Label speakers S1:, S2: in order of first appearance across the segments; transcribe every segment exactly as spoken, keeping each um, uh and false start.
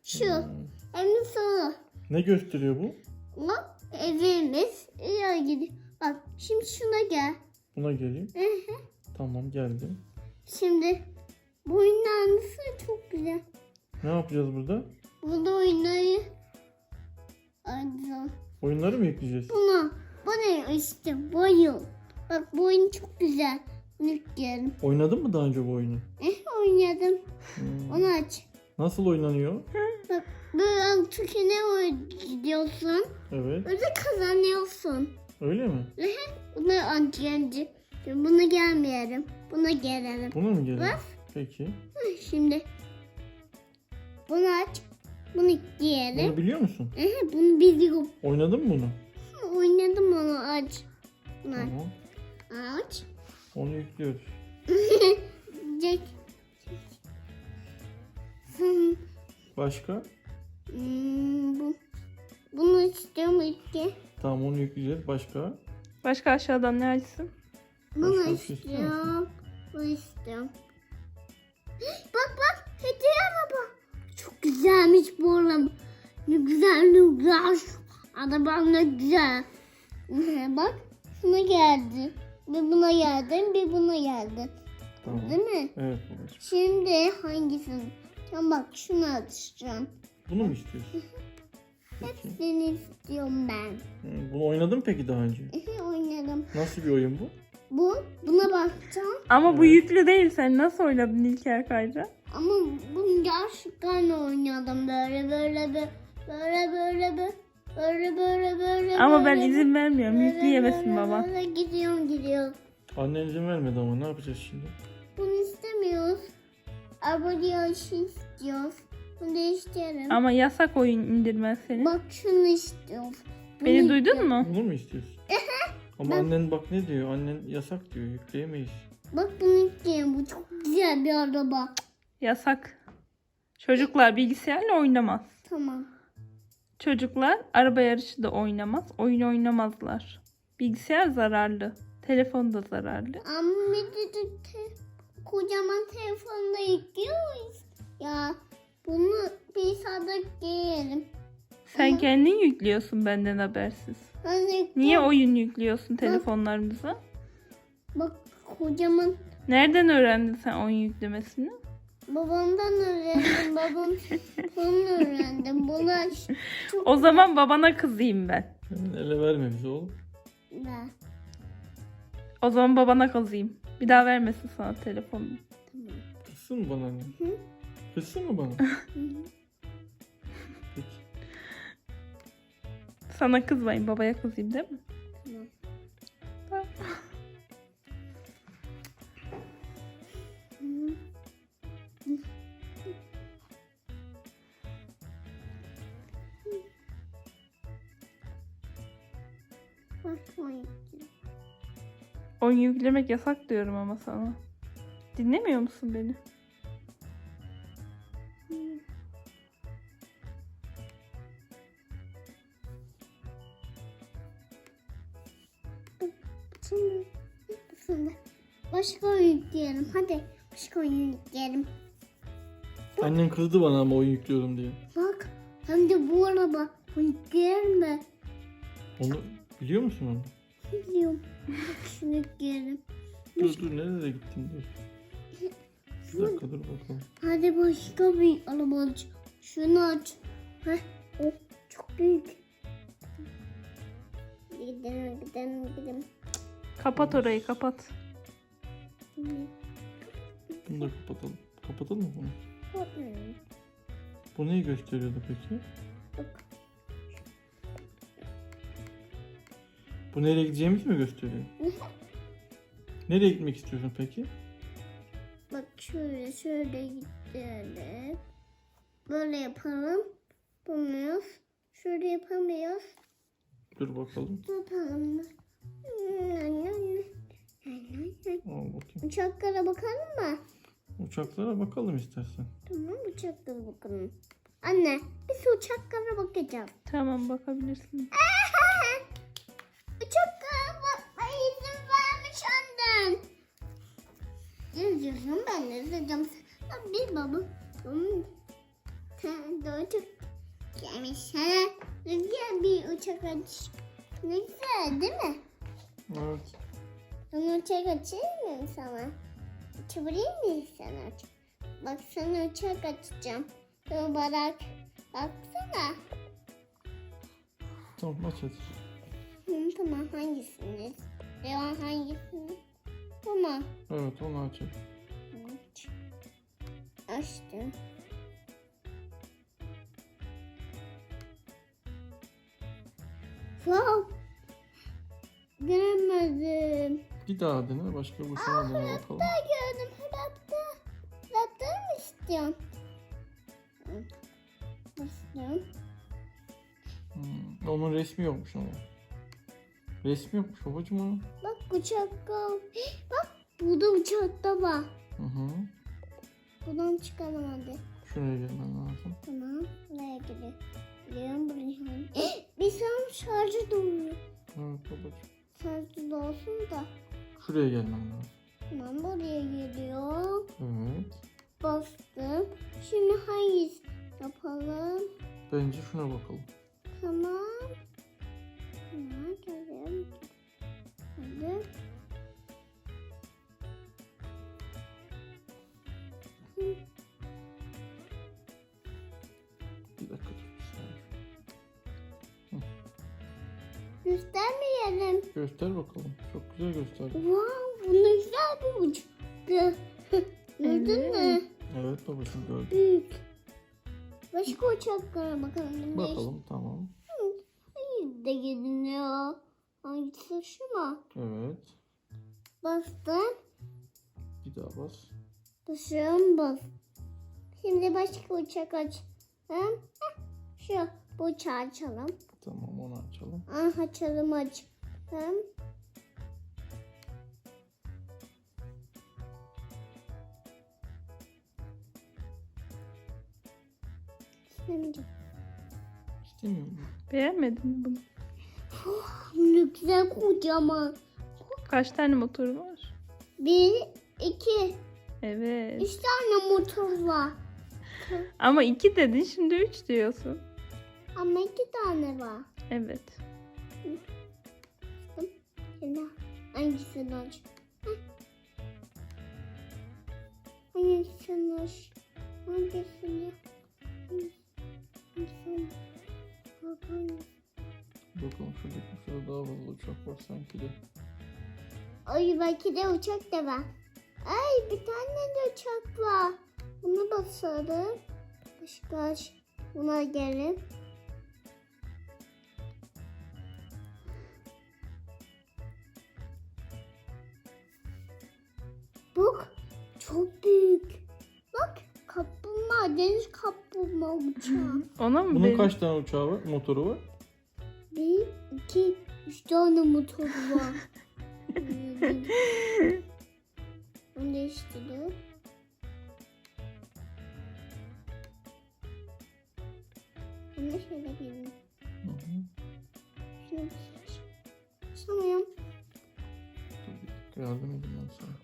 S1: Şu.
S2: Hmm.
S1: En sonu.
S2: Ne gösteriyor bu?
S1: Bak evimiz. İyi gidiyor. Bak şimdi şuna gel.
S2: Buna geleyim.
S1: Hı hı.
S2: Tamam, geldim.
S1: Şimdi bu oynanması çok güzel.
S2: Ne yapacağız burada?
S1: Burada oynayı. Aynen.
S2: Oyunları mı yükleyeceğiz?
S1: Buna. Bu ne işte? Bu oyun. Bak bu oyun çok güzel. Bunu yükleyelim.
S2: Oynadın mı daha önce bu oyunu?
S1: Eh oynadım.
S2: Hmm.
S1: Onu aç.
S2: Nasıl oynanıyor?
S1: Bak böyle tükene oynuyorsun.
S2: Evet.
S1: Öyle kazanıyorsun.
S2: Öyle mi?
S1: Buna antiyenci. Buna gelmeyelim. Buna gelelim.
S2: Buna mı gelelim?
S1: Bak.
S2: Peki.
S1: Hı, Şimdi bunu aç. Bunu giyelim.
S2: Bunu biliyor musun?
S1: Ehe, bunu biliyorum.
S2: Oynadın mı bunu?
S1: Hı, Oynadım onu aç. Bunu aç.
S2: Tamam.
S1: Aç.
S2: Onu yüklüyoruz.
S1: Jack. Hmm,
S2: Başka?
S1: hmm, bu. Bunu istiyorum iki.
S2: Tamam, onu yükleyeceğiz. Başka?
S3: Başka aşağıdan ne açsın?
S1: Bunu
S2: Başka bir şey istiyor
S1: istiyorum. Bunu istiyorum. Bak bak. Hediye araba. Çok güzelmiş bu araba. Ne güzel ne güzel. Arabam ne güzel. Bak. Buna geldi. Bir buna geldi. Bir buna geldi.
S2: Tamam.
S1: Değil mi?
S2: Evet babacığım.
S1: Şimdi hangisini? Tamam bak şunu açacağım.
S2: Bunu mu istiyorsun? Peki.
S1: Seni istiyorum ben.
S2: Hı, Bunu oynadın mı peki daha önce?
S1: Ehe, Oynadım.
S2: Nasıl bir oyun bu?
S1: Bu. Buna bakacağım.
S3: Ama bu
S2: Evet.
S3: yüklü değil. Sen nasıl oynadın İlker Kayra?
S1: Ama bunu gerçekten oynadım böyle böyle böyle böyle böyle böyle böyle böyle böyle
S3: Ama ben
S1: böyle,
S3: izin vermiyorum.
S1: böyle,
S3: Yükleyemesin
S1: böyle,
S3: baba.
S1: Böyle gidiyorum gidiyorum.
S2: Annen izin vermedi ama ne yapacağız şimdi?
S1: Bunu istemiyoruz. Abone istiyoruz. Bunu değiştirelim.
S3: Ama yasak oyun indirmen senin.
S1: Bak şunu istiyoruz. Bunu
S3: Beni duydun
S1: istiyorum.
S3: mu?
S2: Bunu mu istiyorsun? Ama
S1: Ben-
S2: annen bak ne diyor? Annen yasak diyor. Yükleyemeyiz.
S1: Bak bunu istiyorum. Bu çok güzel bir araba.
S3: Yasak. Çocuklar bilgisayarla oynamaz.
S1: Tamam.
S3: Çocuklar araba yarışı da oynamaz. Oyun oynamazlar. Bilgisayar zararlı. Telefon da zararlı.
S1: Ama bir de te- kocaman telefonda yüklüyoruz. Ya bunu bir sadık giyelim.
S3: Sen
S1: Ama-
S3: kendin yüklüyorsun benden habersiz.
S1: Ben de-
S3: Niye oyun yüklüyorsun telefonlarımıza?
S1: Bak kocaman
S3: Nereden öğrendin sen oyun yüklemesini?
S1: babamdan öğrendim. Babam bunu öğrendim. Buna çok
S3: O zaman babana kızayım ben.
S2: Hemen ele verme bize oğlum.
S1: güzel.
S3: O zaman babana kızayım. Bir daha vermesin sana telefonunu.
S2: Kızsın mı bana annen?
S1: Hı.
S2: Kızsın mı bana?
S1: Hı hı.
S2: Peki.
S3: Sana kızmayın, babaya kızayım değil mi?
S1: Tamam.
S3: Tamam.
S1: Hı. Bak oyun.
S3: Oyun yüklemek yasak diyorum ama sana. Dinlemiyor musun beni?
S1: Şimdi, şimdi başka oyun yükleyelim. Hadi başka oyun yükleyelim.
S2: Annen kızdı bana ama oyun yüklüyorum diye.
S1: Bak hem de bu araba yükleyelim mi?
S2: Onu biliyor musun onu?
S1: Biliyorum. Bak şunu yükleyelim.
S2: Dur dur, nereye gittin dur. Bir dakika dur bakalım.
S1: Hadi başka bir araba aç. Şunu aç. Heh. Oh, çok büyük. Gidelim gidelim gidelim.
S3: Kapat orayı, kapat.
S2: Bunu da kapatalım. Kapatalım mı bunu?
S1: Bakmıyorum.
S2: Bu neyi gösteriyordu peki?
S1: Bak.
S2: Bu nereye gideceğimizi mi gösteriyor? Nereye gitmek istiyorsun peki?
S1: Bak şöyle şöyle gidelim. Böyle yapalım. Yapamıyoruz. Şöyle yapamıyoruz.
S2: Dur bakalım.
S1: Yapalım.
S2: Al bakayım.
S1: Uçaklara bakalım mı?
S2: Uçaklara bakalım istersen.
S1: Tamam uçaklara bakalım. Anne biz uçaklara bakacağız.
S3: Tamam, bakabilirsin.
S1: Uçaklara bakmaya izin vermiş annen. Ne diyorsun ben ne diyeceğim? Bir baba. Tamam. Dört. uçak gelmiş. Ha? Ne güzel bir uçak aç. Ne güzel değil mi?
S2: Evet.
S1: Ben uçak açayım mı sana? Açabilir miyim sana? Bak sana uçak açacağım. Dur bak. Baksana.
S2: Tamam aç hadi.
S1: Hı, tamam hangisini? Devam hangisini? Tamam.
S2: Evet onu aç. hadi.
S1: Evet. Açtım. Wow. Göremedim.
S2: Bir daha dene. Başka bir uçağa dene bakalım.
S1: Ben gördüm. Rapta. Rapta mı istiyorsun? Hı. İstiyorum.
S2: Hmm, onun resmi yokmuş ama. Resmi yokmuş babacığım onun.
S1: Bak uçak kal. Bak burada uçak da var.
S2: Hı hı.
S1: Buradan çıkalım hadi.
S2: Şuraya gelmen lazım.
S1: Tamam. Buraya gidiyor. Gidiyorum buraya. Bir saat şarjı doluyor.
S2: Evet babacığım.
S1: Şarjı dolsun da.
S2: Şuraya gelmen lazım.
S1: Tamam buraya geliyor.
S2: Evet.
S1: Bastım. Şimdi hangisi yapalım?
S2: Bence şuna bakalım.
S1: Tamam. Tamam gelelim. Hadi. Hı.
S2: Bir dakika dur. bir saniye.
S1: Göstermeyelim.
S2: Göster bakalım. Çok güzel göster.
S1: Wow, bu ne güzel bir uçak. Gördün mü?
S3: Evet.
S2: Evet babacığım gördüm.
S1: Büyük. Başka uçaklara bakalım.
S2: Bakalım tamam.
S1: Hayır de gidiyor. Hangisi şu mu?
S2: Evet.
S1: Bastım.
S2: Bir daha bas.
S1: Basıyorum bas. Şimdi başka uçak aç. Heh, şu bu uçağı açalım.
S2: Tamam onu açalım.
S1: Ah açalım aç. Hem istemeyeceğim.
S2: İstemiyor musun?
S3: Beğenmedin mi bunu?
S1: Ne güzel kocaman.
S3: Kaç tane motoru var?
S1: Bir, iki,
S3: Evet.
S1: üç tane motor var.
S3: Ama iki dedin, şimdi üç diyorsun.
S1: Ama iki tane var.
S3: Evet.
S1: Şimdi hangisini aç? Heh. Hangisini aç? Hangisini? Hangisini? Hangisini?
S2: Bakalım şurada şurada daha fazla uçak var sanki de.
S1: Ay belki de uçak da var. Ay bir tane de uçak var. Bunu basalım. Başka aç. Buna gelin. Bak çok büyük. Bak kaplumbağa, deniz kaplumbağa uçağı.
S3: Ona mı
S2: Bunun
S3: dedin?
S2: kaç tane uçağı var? Motoru var?
S1: Bir, iki, üç tane motor var. Onu değiştirdim. Ben de şöyle gelin.
S2: Hı hı.
S1: Şunu bir seç. Sanıyorum.
S2: Dur bir dakika yardım edeyim ben sana.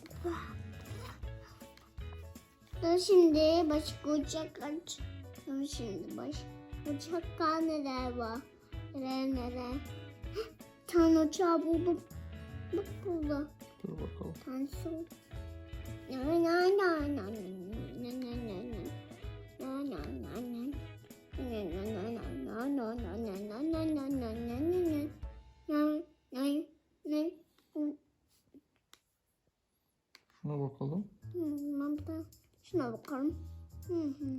S1: Dur şimdi başka uçak aç. Dur şimdi baş. Uçaklar neler var? Neler neler. Bir tane uçağı buldum. Bak burada.
S2: Dur bakalım.
S1: Tanesi oldu. Na na na na na na na na na. Na na na na. Na na na na na na na na na na na na na na na. Na na na.
S2: Şuna bakalım.
S1: Hmm, ben de şuna bakalım. Hı hı.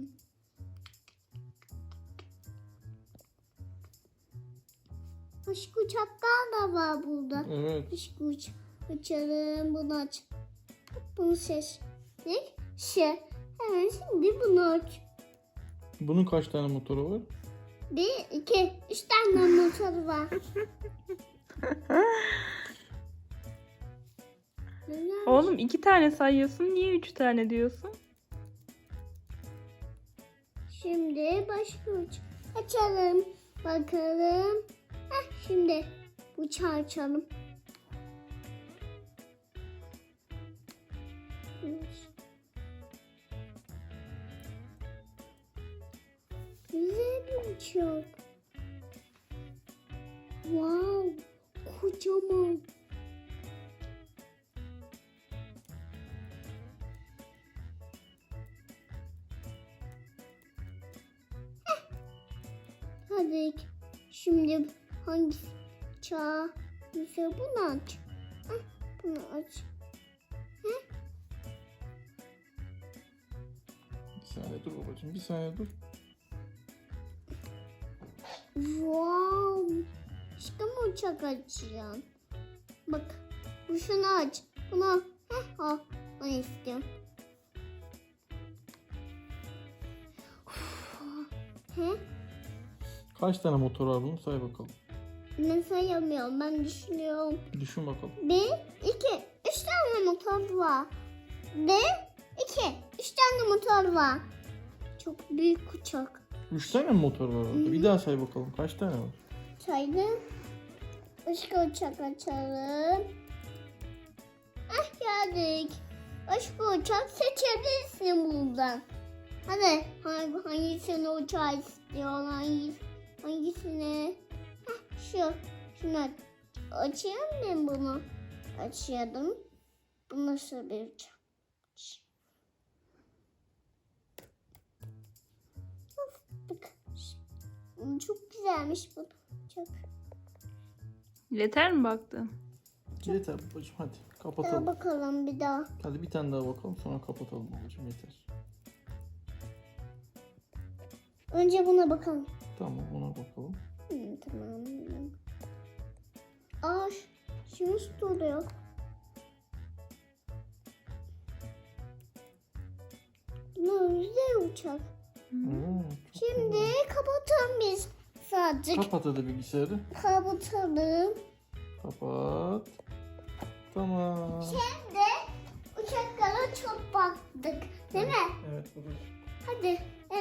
S1: Başka uçaklar da var burada.
S2: Evet.
S1: Başka uç açalım. Bunu aç. Bunu seçtik. Şey. Hemen şimdi bunu aç.
S2: Bunun kaç tane motoru var?
S1: Bir, iki, üç tane motor var. Neler?
S3: Oğlum iki tane sayıyorsun, niye üç tane diyorsun?
S1: Şimdi başka uç açalım. Bakalım. Heh, şimdi uçağı açalım. uçak. Wow, kocaman. Heh. Hadi şimdi hangi çağ? Mesela bunu aç. Heh, bunu aç.
S2: Bir saniye dur babacığım. Bir saniye dur.
S1: Wow. İşte mi uçak açacağım? Bak. Bu şunu aç. Bunu. Heh, al. Bunu istiyorum. He?
S2: Kaç tane motor var bunun? Say bakalım.
S1: Ne sayamıyorum. Ben düşünüyorum.
S2: Düşün bakalım.
S1: Bir, iki, üç tane motor var. Bir, iki, üç tane motor var. Çok büyük uçak.
S2: Üç tane mi motor var orada? Bir daha say bakalım. Kaç tane var?
S1: Saydım. Başka uçak açalım. Ah geldik. Başka uçak seçebilirsin buradan. Hadi hangi, hangisini uçağı istiyorsun? Hangi, hangisini? Heh, şu. Şunu aç. Açayım mı bunu? Açıyordum. Bu nasıl bir uçak? Of, bak. Çok güzelmiş bu uçak.
S3: Yeter mi baktın?
S2: Yeter babacığım hadi.
S1: Daha
S2: Kapatalım.
S1: bakalım bir daha.
S2: Hadi bir tane daha bakalım sonra kapatalım babacığım yeter.
S1: Önce buna bakalım.
S2: Tamam ona bakalım.
S1: Hı, tamam. Aa, ş- şimdi duruyor. Bu güzel uçak.
S2: Hmm, çok
S1: Şimdi
S2: güzel.
S1: kapatalım biz sadece.
S2: Kapat hadi bilgisayarı.
S1: Kapatalım.
S2: Kapat. Tamam.
S1: Şimdi uçaklara çok baktık. Değil mi?
S2: Evet babacığım.
S1: Hadi.